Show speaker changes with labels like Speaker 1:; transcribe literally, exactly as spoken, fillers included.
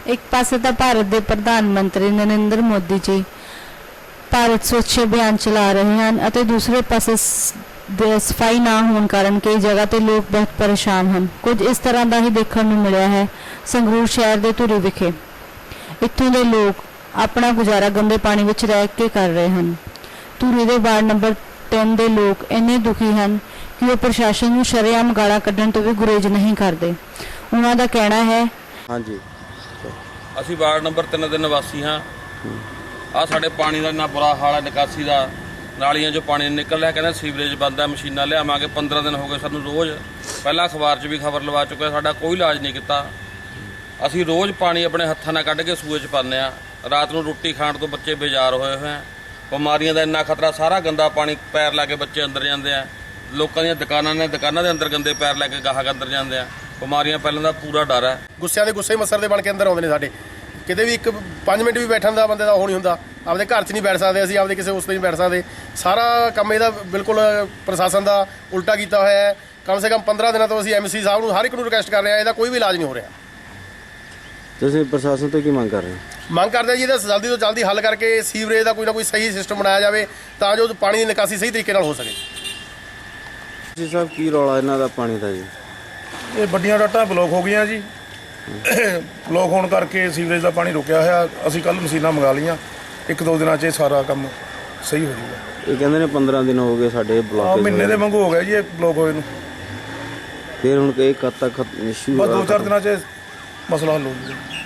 Speaker 1: एक पासे तो भारत के प्रधानमंत्री नरेंद्र मोदी जी भारत स्वच्छ अभियान चला रहे हैं और दूसरे पासे सफाई ना होने कारण कई जगह ते लोग बहुत परेशान हैं। कुछ इस तरह का ही देखने को मिला है संगरूर शहर के धुरी विखे। इत्थों के लोग अपना गुजारा गंदे पानी में रह के कर रहे हैं। धुरी के वार्ड नंबर तीन के लोग इन्ने दुखी हैं कि वो प्रशासन को शरेआम गालां कड्ढण तो भी गुरेज नहीं करते। उन्हों का कहना है
Speaker 2: हाँ जी
Speaker 3: ਅਸੀਂ ਵਾਰਡ ਨੰਬਰ तीन ਦੇ ਨਿਵਾਸੀ ਹਾਂ। ਆ ਸਾਡੇ ਪਾਣੀ ਦਾ ਇੰਨਾ ਬੁਰਾ ਹਾਲ ਹੈ, ਨਿਕਾਸੀ ਦਾ ਨਾਲੀਆਂ 'ਚੋਂ ਪਾਣੀ ਨਿਕਲ ਰਿਹਾ, ਕਹਿੰਦੇ ਸੀਵਰੇਜ ਬੰਦ ਹੈ, ਮਸ਼ੀਨਾਂ ਲਿਆਵਾਂਗੇ। पंद्रह दिन ਹੋ ਗਏ ਸਾਨੂੰ ਰੋਜ਼, ਪਹਿਲਾਂ ਅਖਬਾਰ 'ਚ ਵੀ ਖਬਰ ਲਵਾ ਚੁੱਕੇ, ਸਾਡਾ ਕੋਈ ਇਲਾਜ ਨਹੀਂ ਕੀਤਾ। ਅਸੀਂ ਰੋਜ਼ ਪਾਣੀ ਆਪਣੇ ਹੱਥਾਂ ਨਾਲ ਕੱਢ ਕੇ ਸੂਏ 'ਚ ਪਾਉਂਦੇ ਆ। ਰਾਤ ਨੂੰ ਰੋਟੀ ਖਾਣ ਤੋਂ ਬੱਚੇ ਬੇਜ਼ਾਰ ਹੋਏ ਹੋਏ ਆ। ਬਿਮਾਰੀਆਂ ਦਾ ਇੰਨਾ ਖਤਰਾ, ਸਾਰਾ ਗੰਦਾ ਪਾਣੀ ਪੈਰ ਲਾ ਕੇ ਬੱਚੇ ਅੰਦਰ ਜਾਂਦੇ ਆ। ਲੋਕਾਂ ਦੀਆਂ ਦੁਕਾਨਾਂ ਨੇ, ਦੁਕਾਨਾਂ ਦੇ ਅੰਦਰ ਗੰਦੇ ਪੈਰ ਲੈ ਕੇ ਗਾਹਕ ਅੰਦਰ ਜਾਂਦੇ ਆ। ਬਿਮਾਰੀਆਂ ਫੈਲਣ ਦਾ ਪੂਰਾ ਡਰ ਹੈ।
Speaker 4: ਗੁੱਸਿਆਂ ਦੇ ਗੁੱਸੇ ਮਸਰ ਦੇ ਬਣ ਕੇ ਅੰਦਰ ਆਉਂਦੇ ਨੇ ਸਾਡੇ। ਕਿਤੇ ਵੀ ਇੱਕ ਪੰਜ ਮਿੰਟ ਵੀ ਬੈਠਣ ਦਾ ਬੰਦੇ ਦਾ ਉਹ ਨਹੀਂ ਹੁੰਦਾ। ਆਪਦੇ ਘਰ 'ਚ ਨਹੀਂ ਬੈਠ ਸਕਦੇ ਅਸੀਂ, ਆਪਦੇ ਕਿਸੇ ਉਸ 'ਤੇ ਨਹੀਂ ਬੈਠ ਸਕਦੇ। ਸਾਰਾ ਕੰਮ ਇਹਦਾ ਬਿਲਕੁਲ ਪ੍ਰਸ਼ਾਸਨ ਦਾ ਉਲਟਾ ਕੀਤਾ ਹੋਇਆ ਹੈ। ਕਮ ਸੇ ਕਮ ਪੰਦਰਾਂ ਦਿਨਾਂ ਤੋਂ ਅਸੀਂ ਐਮਸੀ ਸਾਹਿਬ ਨੂੰ ਹਰ ਇੱਕ ਨੂੰ ਰਿਕੁਐਸਟ ਕਰ ਰਹੇ ਹਾਂ, ਇਹਦਾ ਕੋਈ ਵੀ ਇਲਾਜ ਨਹੀਂ ਹੋ ਰਿਹਾ।
Speaker 2: ਤੁਸੀਂ ਪ੍ਰਸ਼ਾਸਨ ਤੋਂ ਕੀ ਮੰਗ ਕਰ ਰਹੇ ਹੋ?
Speaker 4: ਮੰਗ ਕਰਦੇ ਹਾਂ ਜੀ ਇਹਦਾ ਜਲਦੀ ਤੋਂ ਜਲਦੀ ਹੱਲ ਕਰਕੇ ਸੀਵਰੇਜ ਦਾ ਕੋਈ ਨਾ ਕੋਈ ਸਹੀ ਸਿਸਟਮ ਬਣਾਇਆ ਜਾਵੇ ਤਾਂ ਜੋ ਪਾਣੀ ਦੀ ਨਿਕਾਸੀ ਸਹੀ ਤਰੀਕੇ ਨਾਲ ਹੋ ਸਕੇ।
Speaker 2: ਜੀ ਸਾਹਿਬ ਕੀ ਰੌਲਾ ਇਹਨਾਂ ਦਾ ਪਾਣੀ ਦਾ ਜੀ?
Speaker 5: ਇਹ ਵੱਡੀਆਂ ਡਾਟਾਂ ਬਲੌਕ ਹੋ ਗਈਆਂ ਜੀ। ਬਲੌਕ ਹੋਣ ਕਰਕੇ ਸੀਵਰੇਜ ਦਾ ਪਾਣੀ ਰੁਕਿਆ ਹੋਇਆ। ਅਸੀਂ ਕੱਲ੍ਹ ਮਸ਼ੀਨਾਂ ਮੰਗਾ ਲਈਆਂ, ਇੱਕ ਦੋ ਦਿਨਾਂ 'ਚ ਇਹ ਸਾਰਾ ਕੰਮ ਸਹੀ ਹੋ ਜਾਊਗਾ।
Speaker 2: ਇਹ ਕਹਿੰਦੇ ਨੇ ਪੰਦਰਾਂ ਦਿਨ ਹੋ ਗਏ ਸਾਡੇ
Speaker 5: ਆ
Speaker 2: ਬਲੌਕ
Speaker 5: ਮਹੀਨੇ ਦੇ ਵਾਂਗੂ ਹੋ ਗਿਆ ਜੀ ਇਹ ਬਲੌਕ ਹੋਏ ਨੂੰ।
Speaker 2: ਫਿਰ ਹੁਣ ਇਹ ਕਦ ਤੱਕ ਇਸ਼ੂ
Speaker 5: ਬਸ ਦੋ ਚਾਰ ਦਿਨਾਂ 'ਚ ਇਹ ਮਸਲਾ ਹੱਲ ਹੋ ਜਾਊਗਾ।